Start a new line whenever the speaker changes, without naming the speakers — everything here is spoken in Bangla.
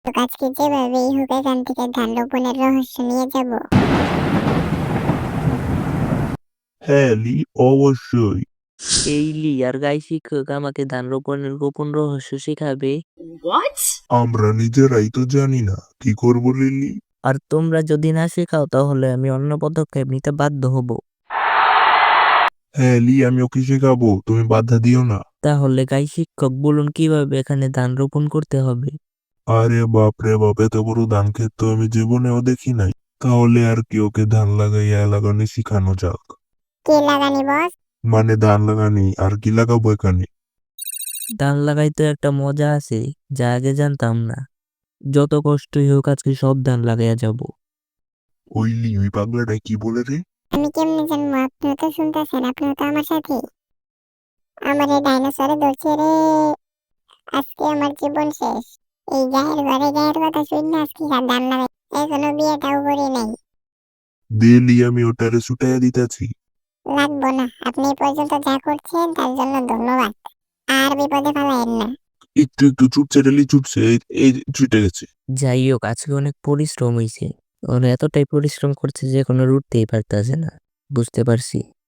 তো আজকে যেভাবেই হোক এখান থেকে ধান রোপণের রহস্য নিয়ে যাব।
হ্যাঁ, লি, অবশ্যই।
এই লিয়ার গাই শিক্ষক আমাকে ধান রোপণের গোপন রহস্য শেখাবে।
আমরা নিজেরাই তো জানি না কি করবো, লিলি।
আর তোমরা যদি না শেখাও তাহলে আমি অন্য পদক্ষেপ নিতে বাধ্য হব।
হ্যাঁ, লি, আমি ওকে শেখাবো, তুমি বাধা দিও না।
তাহলে গাই শিক্ষক বলুন কিভাবে এখানে ধান রোপণ করতে হবে।
আরে বাপ রে বাপ, এত বড় ধান ক্ষেত তো আমি জীবনেও দেখি নাই। তাহলে আর কি, ওকে ধান লাগাইয়া লাগানি শিখানো যাক।
কে লাগানি বস?
মানে ধান লাগানি, আর কি লাগাবো এখানে?
ধান লাগাইতে একটা মজা আছে যা আগে জানতাম না। যত কষ্টই হোক আজকে সব ধান লাগাইয়া যাব।
ওই লি, ওই পাগলাটা কি বলে রে?
আমি কেমনে জানবো? আপনিও তো শুনতেছেন, আপনিও তো আমার সাথে। আমার এই ডাইনোসরে ধরছে রে। আজকে আমার জীবন শেষ। এই গায়ের কথা শুনে আজকে ধান লাগাই। এখনো বিয়েটাও করি নাই।
দে লি, আমি ওটারে ছুটাইয়া দিতেছি।
লাগবো না, আপনি এই পর্যন্ত যা করছেন তার জন্য ধন্যবাদ। আর বিপদে ফেলায়েন না।
একটু একটু ছুটছে রে লি, ছুটছে, এই ছুটে গেছে।
যাই হোক আজকে অনেক পরিশ্রম হয়েছে। ওরা এতটাই পরিশ্রম করছে যে কোনো রুটতেই পারতেছে না। বুঝতে পারছি।